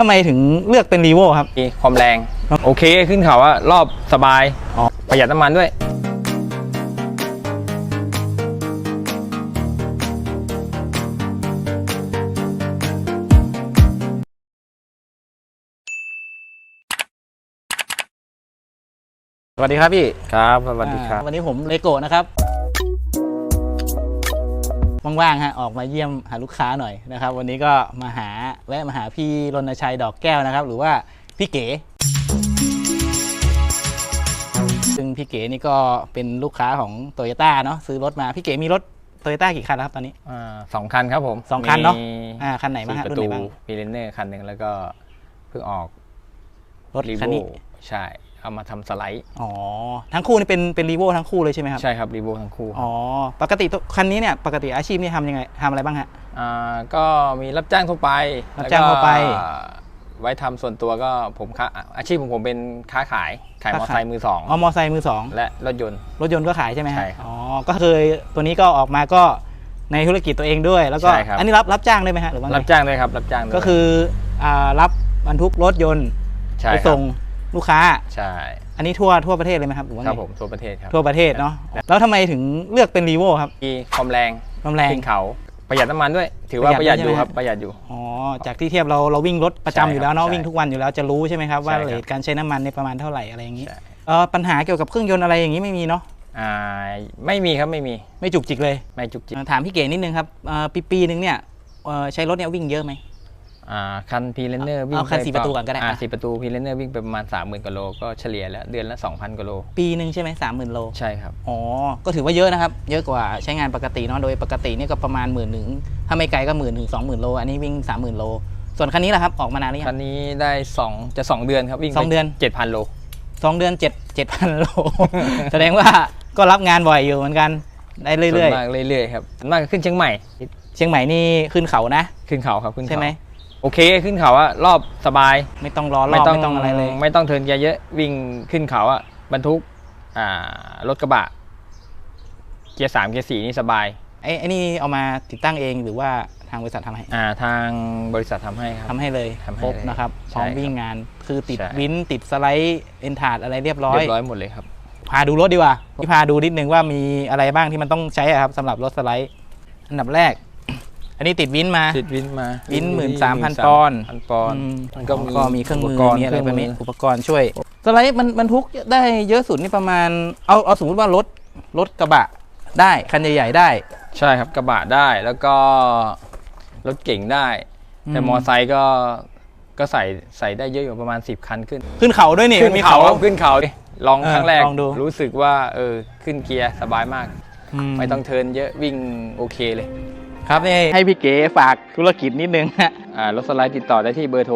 ทำไมถึงเลือกเป็นรีโวครับมีความแรงโอเคขึ้นเขาว่ารอบสบายประหยัดน้ำมันด้วยสวัสดีครับพี่ครับสวัสดีครับวันนี้ผมเลโก้นะครับว่างๆฮะออกมาเยี่ยมหาลูกค้าหน่อยนะครับวันนี้ก็แวะมาหาพี่รณชัยดอกแก้วนะครับหรือว่าพี่เก๋ซึ่งพี่เก๋นี่ก็เป็นลูกค้าของโตโยต้าเนาะซื้อรถมาพี่เก๋มีรถโตโยต้ากี่คันแล้วครับตอนนี้ 2 คันครับผม 2 คันเนาะคันไหนบ้างฮะรุ่นไหนบ้างพีเรนเนอร์คันหนึ่งแล้วก็เพิ่งออกรถคันนี้ใช่เอามาทำสไลด์ทั้งคู่นี่เป็นรีโวทั้งคู่เลยใช่ไหมครับใช่ครับรีโวทั้งคู่ปกติคันนี้เนี่ยปกติอาชีพนี่ทำยังไงทำอะไรบ้างฮะก็มีรับจ้างทั่วไปไว้ทำส่วนตัวก็อาชีพของผมเป็นค้าขายมอเตอร์ไซค์มือสองมอเตอร์ไซค์มือสองและรถยนต์ก็ขายใช่ไหมใช่ครับก็เคยตัวนี้ก็ออกมาก็ในธุรกิจตัวเองด้วยแล้วก็อันนี้รับจ้างได้ไหมฮะหรือว่ารับจ้างด้วยครับรับจ้างก็คือรับบรรทุกรถยนต์ไปส่งลูกค้าใช่อันนี้ทั่วประเทศเลยไหมครับหรือว่าครับผมทั่วประเทศครับทั่วประเทศเนาะแล้วทำไมถึงเลือกเป็นรีโวครับมีความแรงขึ้นเขาประหยัดน้ำมันด้วยถือว่าประหยัดอยู่ครับประหยัดอยู่จากที่เทียบเราวิ่งรถประจำอยู่แล้วเนาะวิ่งทุกวันอยู่แล้วจะรู้ใช่ไหมครับว่าเรทการใช้น้ำมันในประมาณเท่าไหร่อะไรอย่างนี้ปัญหาเกี่ยวกับเครื่องยนต์อะไรอย่างนี้ไม่มีเนาะไม่มีครับไม่จุกจิกเลยไม่จุกจิกถามพี่เก๋นิดนึงครับปีนึงเนี่ยใช้รถเนี่ยวิ่งเยอะไหมคันพีเรนเนอร์วิ่งคัน4 ประตูก่อนก็ได้ 4 ประตูพีเรนเนอร์วิ่งไปประมาณ 30,000 กว่าโลก็เฉลี่ยแล้วเดือนละ 2,000 กว่าโลปีหนึ่งใช่ไหม30,000 โลใช่ครับก็ถือว่าเยอะนะครับเยอะกว่าใช้งานปกติเนาะโดยปกตินี่ก็ประมาณ10,000ถ้าไม่ไกลก็10,000 ถึง 20,000 โลอันนี้วิ่ง 30,000 โลส่วนคันนี้ล่ะครับออกมานานหรือยังคันนี้ได้2 เดือนครับวิ่ง 2 เดือน 7,000 โล 2 เดือน7,000 โลแสดงว่าก็รับงานบ่อยอยู่เหมือนกันได้เรื่อยๆเรื่อยๆครับมากขึ้นเชียงใหม่นี่ขึ้นเขานะขึ้นเขาครับขึ้นเขาใช่ไหมโอเคขึ้นเขาอะรอบสบายไม่ต้องรอรอบไม่ต้องอะไรเลยไม่ต้องเทิร์นเกียร์เยอะวิ่งขึ้นเขาอะบรรทุกรถกระบะเกียร์3เกียร์4นี่สบายไอ้นี่เอามาติดตั้งเองหรือว่าทางบริษัททำให้ทางบริษัททำให้ครับทำให้เลยครบนะครับพร้อมวิ่งงานคือติดวินติดสไลด์เอ็นทาร์ดอะไรเรียบร้อยหมดเลยครับพาดูรถดีกว่าพาดูนิดนึงว่ามีอะไรบ้างที่มันต้องใช้ครับสำหรับรถสไลด์อันดับแรกอันนี้ติดวินมาวิน 13,000 ปอนด์มันก็มีเครื่องมือมีอะไรแบบนี้อุปกรณ์ช่วยสไลด์มันบรรทุกได้เยอะสุดนี่ประมาณเอาสมมุติว่ารถกระบะได้คันใหญ่ๆได้ใช่ครับกระบะได้แล้วก็รถเก่งได้แต่มอไซค์ก็ใส่ได้เยอะอยู่ประมาณ10 คันขึ้นเขาด้วยนี่มันมีเขาขึ้นเขาลองครั้งแรกรู้สึกว่าขึ้นเกียร์สบายมากไม่ต้องเทิร์นเยอะวิ่งโอเคเลยครับนี่ให้พี่เก๋ฝากธุรกิจนิดนึงรถสไลด์ติดต่อได้ที่เบอร์โทร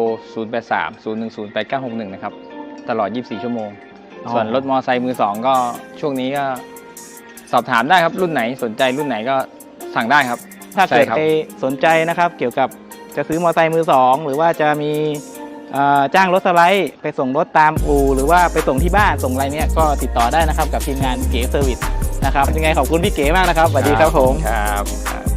0830108961 นะครับตลอด 24 ชั่วโมงส่วนรถมอไซค์มือ 2 ก็ช่วงนี้ก็สอบถามได้ครับรุ่นไหนสนใจรุ่นไหนก็สั่งได้ครับถ้าเกิดใครสนใจนะครับเกี่ยวกับจะซื้อมอไซค์มือ 2หรือว่าจะมีจ้างรถสไลด์ไปส่งรถตามอู่หรือว่าไปส่งที่บ้านส่งอะไรเนี้ยก็ติดต่อได้นะครับกับทีมงานเก๋เซอร์วิสนะครับยังไงขอบคุณพี่เก๋มากนะครับสวัสดีครับผมครับ